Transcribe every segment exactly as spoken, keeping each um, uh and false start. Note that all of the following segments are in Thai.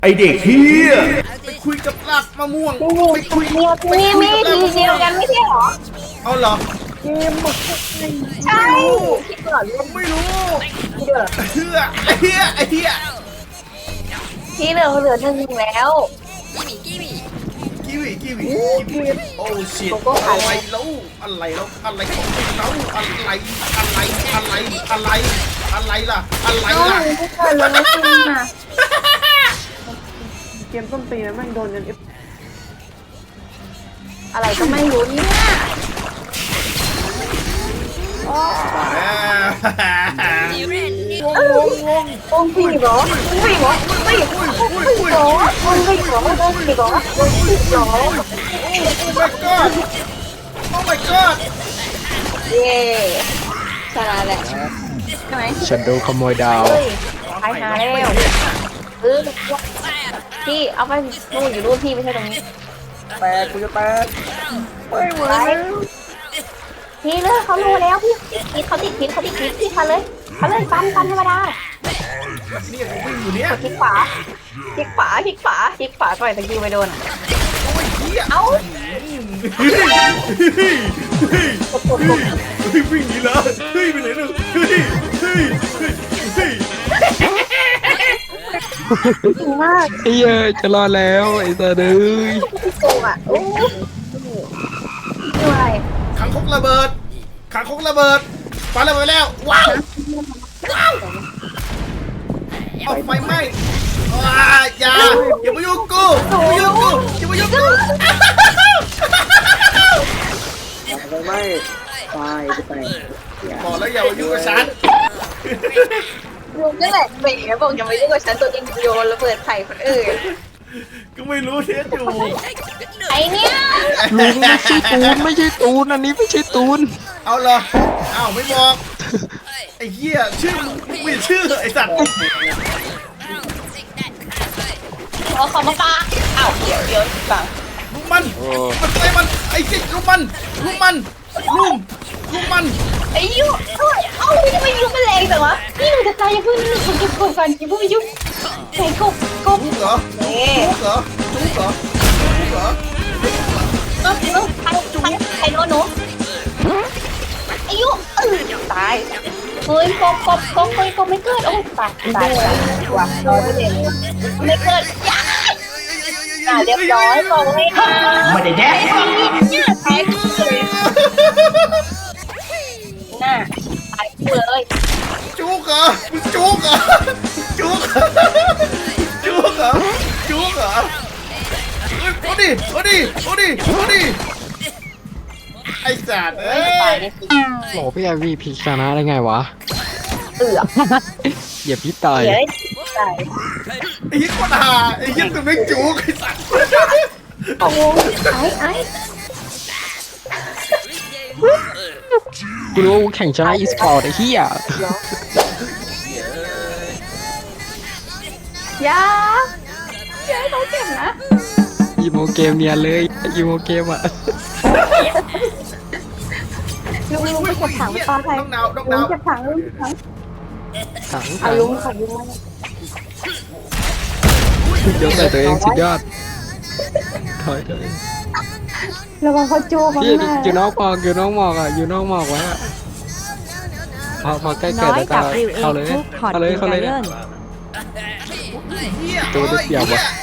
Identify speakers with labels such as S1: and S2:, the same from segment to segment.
S1: ไอเด็กเฮียไปคุยกับรากมะม่วงไปคุย
S2: มีมีมีทีเดียวกันไม่ใช่หรอ
S1: เอาเหรอ
S2: ใช่คิดก่อน
S1: ไม่รู้
S2: ที่เหลือ
S1: เฮียไอเฮียไอเฮีย
S2: ที่เหลือเหลือหนึ่งแล้ว
S1: กิวิกิวิกิวิโอ้ชิตอะไรแล้วอะไรแล้วอะไรของเราอะไรอะไรอะไรอะไรอะไรล่ะอะไร
S2: น้อง
S1: ล่ะ
S2: ไม่เกิดเลยไม่จริงอ่ะ
S3: เกมต้นปีนะแม่งโดนยันเอฟ
S2: อะไรก็ไม่รู้เนี่ย
S1: งงงง
S2: วงผีเหรอวงผีเหรอวงผีเหรอวงผีเหรอวงผีเหรอวงผีเหรอวงผีเหรอ
S1: โอ้ my god โอ้ my god
S2: เย่ชนะแหละใช่ไหม
S4: ฉันโดนขโมยดาว
S2: เฮ้ยหายหาแล้วเออพี่เอาไปนู่นอยู่นู่นพี่ไม่ใช่ตรงนี้
S3: แตกกูจะแตกไม่ไหว
S2: ไปพี่เลยเขารู้แล้วพี่พิษเขาติดพิษเขาติดพิษพี่เขาเลยเขาเลยฟันฟันธรรมดา
S1: เนี่ยกูวิ่งอยู่เนี่ย
S2: คลิกขวาคลิกขวาคลิกขวาคลิกขวาปล่อยตะกี้ไปโดนอ่ะ
S1: โอ้ยเหี้ย
S2: เอ้า
S1: เฮ้ยเฮ้ยเฮ้ยเฮ้ยวิ่งหนีเหรอเฮ้ยไปไหนเนี่ยเฮ้ยเฮ้ยเฮ้ย
S2: จริงมาก
S4: ไอ้เหี้ยจะรอดแล้วไอ้ตาเด้ย
S2: พี่โกงอ่ะโอ้เหนื่อย
S1: ขังคกระเบิดขังคกระเบิดปาระเบิดแล้วว้าวว้าวเอาไฟไหม้ว้าอย่าอย่ามายุ่งกูอย่ามายุ่งกูอย่ามายุ่งกู
S3: ไปไม่ตายจะแตก
S1: บอกแล้วอย่ามายุ่งกับฉัน
S2: ลุงนั่นแหละเบ๋บอกอย่ามายุ่งกับฉันตัวเองโยนระเบิดไข่คนอื่น
S1: ก็ไม่รู้เท็จอยู่
S2: ไอเนี่ย
S4: ลุงไม่ใช่ตูนไม่ใช่ตูนอันนี้ไม่ใช่ตูน
S1: เอาเหรออ้าวไม่บอกไอ้เหี้ยชื่อมึงไม่ชื่อไอ้สัตว์
S2: เอาเขามาปาอ้าวเดี๋ยวเดี๋ยวฟัง
S1: ลุมมันมันไอ้มันไอ้เจ๊ลุมมันลุมมันลุมลุมมัน
S2: ไอ้ยุ่งเอ้ยเอ้าทำไมยุ่งมันแรงจังวะนี่หนูจะตายอย่าเพิ่งนี่คนเก็บกบก่อนอย่าเพิ่งไปยุ่งใส่กบกบ
S1: จุกเหรอ
S2: เอ๊ะ
S1: จุกเหรอจุกเหรอจุกเหรอ
S2: เออเออใครใครใครโดนหนูไอ้ยุ่งเออตายเฮ้ยกบกบกบเฮ้ยกบไม่เกิดโอ้ตายตายตายว่ะร้อยเปอร์เซ็นต์ไม่เกิดยาอ่าเรียบร้อยบอกให้ค่ะ
S1: ไม่ได้แดก
S2: เนี่ยแพ้เลยน่าตายคู่เลย
S1: จุกเหรอมึงจุกเหรอจุกเหรอจุกเหรอจุกเหรอเฮ้ยเอาดิเอาดิเอาดิเอาดิไอ้สัตว์เอ้
S2: เฮ้ยตาย
S1: ย
S2: เลยสิ
S4: โหพี่ไอวีพีชนะได้ไงวะ
S2: เอือก
S4: อย่าพี่ตาย
S2: เดี๋ยวได้ตาย
S1: ไอ้ยี่คนหาไอ้ยี่ตัวไม่จุกไอ้สัตว์
S2: โอ้ไอ้ไอ้
S4: กูรู้ว่ากูแข่งชนะอีสปอร์ตไอ้เหี้ย
S2: ยาอย่าให้เขาเจ็บนะ
S4: อีโมเกมเนียนเลยอีโมเกมอ่ะ
S2: ลุงลุงไปเก็บถังปลาไทย
S1: น้องดาวน้อง
S2: ลุ
S1: ดางว
S2: เก็บถังลุงเก็บถัง
S4: ถัง
S2: เอา
S4: ถัง
S2: ลุงขอลุงมา
S4: ยกใส่ตัวเองสุดยอดถอยถอย
S2: ระวังเขาจูบมา
S4: พี่
S2: หน้า
S4: อยู่นอกหมอกอยู่นอกหมอกอ่ะอยู่นอกหมอกไว้อะพอพอใกล้เกิดแล้วก็เข้าเลยเข้าเลยเข้าเลยเนี่ย
S1: เหี้ย
S4: ตัวเด็กเดี่ยววะ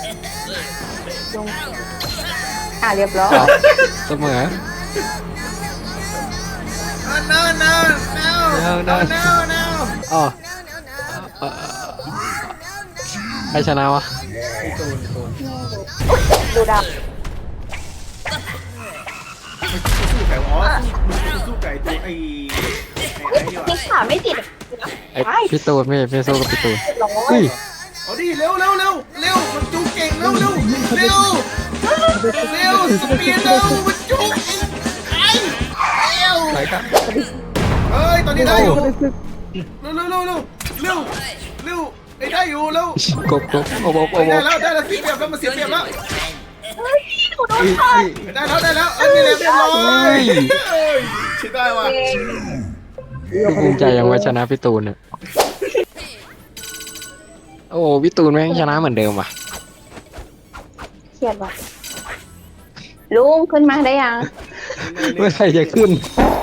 S2: อ่ะเรียบร้อย
S4: เสมอ
S1: no no no no no no
S4: อ๋อเอ่อใครชนะวะ
S2: ดูดาว
S1: สู้ไก่อ๋อสู้ไก่ตัวไอ้ไอ้นี่ว่ะ
S2: นี่ขาไม่ติด
S4: ไอพี่ตูนไม่ไม่สู้กับพี่ตูน
S2: ร้อ
S4: เฮ้
S2: ย
S4: ย
S1: เอาดิเร็วเร็วเร็วเร็วมันจุกเก่งเร็วเร็วเร็วเร็วสปีดเร็วมันจุกไอ้เร็ว
S4: ไหนกัน
S1: เฮ้ยตอนนี้ได้อยู่เร็วเร็วเร็วเร็วเร็วเร็วเร็วไอ้ได้อยู่เร็ว
S4: กบกบโอ้โหโอ้
S1: ได้
S4: โห
S1: แล้วได้แล้วเสียเปรียบแล้วมันเสียเปรียบแล้ว
S2: เฮ้ยหนูโดน
S4: เฮ้ย
S2: ขาด
S1: ได้แล้วได้แล้วเอ้ยเรียบร้อยเฮ้ยใช่ได้ว่ะ
S4: ดูภูมิใจยังว่าชนะพี่ตูนเนี่ยโอ้พี่ตูนแม่งชนะเหมือนเดิมว่ะ
S2: เครียดว่ะลุงขึ้นมาได้ยัง
S4: เมื่อไหร่จะขึ้น